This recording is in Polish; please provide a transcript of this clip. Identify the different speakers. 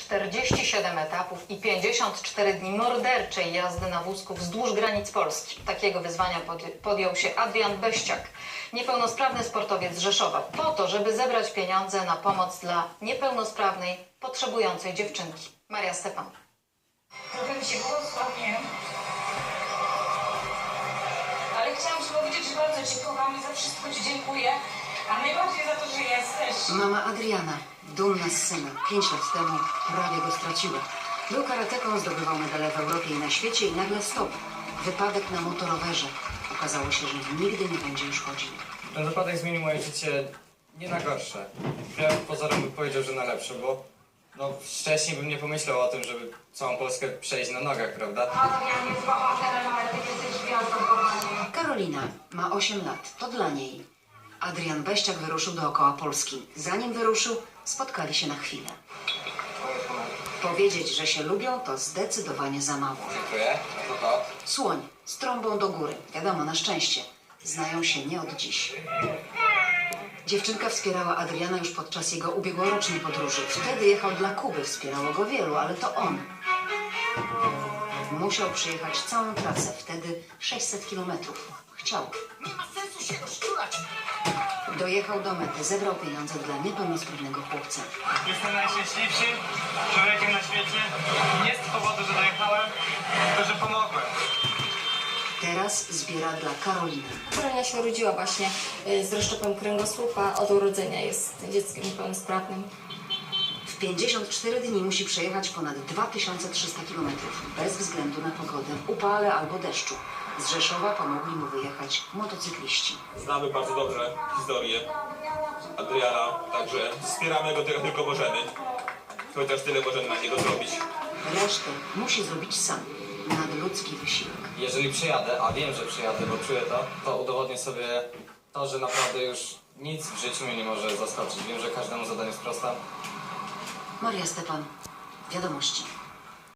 Speaker 1: 47 etapów i 54 dni morderczej jazdy na wózku wzdłuż granic Polski. Takiego wyzwania podjął się Adrian Beściak, niepełnosprawny sportowiec z Rzeszowa, po to, żeby zebrać pieniądze na pomoc dla niepełnosprawnej, potrzebującej dziewczynki. Maria Stepan.
Speaker 2: Trochę mi się głos łamie. Ale chciałam Ci powiedzieć, że bardzo Cię kocham i za wszystko Ci dziękuję. A najbardziej za to, że jesteś.
Speaker 3: Mama Adriana, dumna z syna, 5 lat temu prawie go straciła. Był karateką, zdobywał medale w Europie i na świecie i nagle stop. Wypadek na motorowerze. Okazało się, że nigdy nie będzie już chodził.
Speaker 4: Ten wypadek zmienił moje życie nie na gorsze. Ja pozorem bym powiedział, że na lepsze, bo wcześniej bym nie pomyślał o tym, żeby całą Polskę przejść na nogach, prawda?
Speaker 2: Adrian jest bohaterem, ale Ty jesteś gwiazdą, kochanie.
Speaker 3: Karolina ma 8 lat, to dla niej. Adrian Beściak wyruszył dookoła Polski. Zanim wyruszył, spotkali się na chwilę. Powiedzieć, że się lubią, to zdecydowanie za mało.
Speaker 4: Dziękuję. No to.
Speaker 3: Słoń z trąbą do góry. Wiadomo, na szczęście. Znają się nie od dziś. Dziewczynka wspierała Adriana już podczas jego ubiegłorocznej podróży. Wtedy jechał dla Kuby. Wspierało go wielu, ale to on musiał przejechać całą trasę. Wtedy 600 kilometrów. Chciał.
Speaker 5: Nie ma sensu się rozczulać.
Speaker 3: Dojechał do mety. Zebrał pieniądze dla niepełnosprawnego chłopca.
Speaker 6: Jestem najszczęśliwszym człowiekiem na świecie. Nie z powodu, że dojechałem, tylko że pomogłem.
Speaker 3: Teraz zbiera dla Karoliny.
Speaker 7: Karolina się urodziła właśnie z rozszczepem kręgosłupa. Od urodzenia jest dzieckiem niepełnosprawnym.
Speaker 3: W 54 dni musi przejechać ponad 2300 km. Bez względu na pogodę, upale albo deszczu. Z Rzeszowa pomogli mu wyjechać motocykliści.
Speaker 8: Znamy bardzo dobrze historię Adriana, także wspieramy go tyle tylko możemy. Chociaż tyle możemy na niego zrobić.
Speaker 3: Resztę musi zrobić sam. Nadludzki wysiłek.
Speaker 4: Jeżeli przyjadę, a wiem, że przyjadę, bo czuję to udowodnię sobie to, że naprawdę już nic w życiu mnie nie może zaskoczyć. Wiem, że każdemu zadaniu sprostam.
Speaker 3: Maria Stepan, Wiadomości.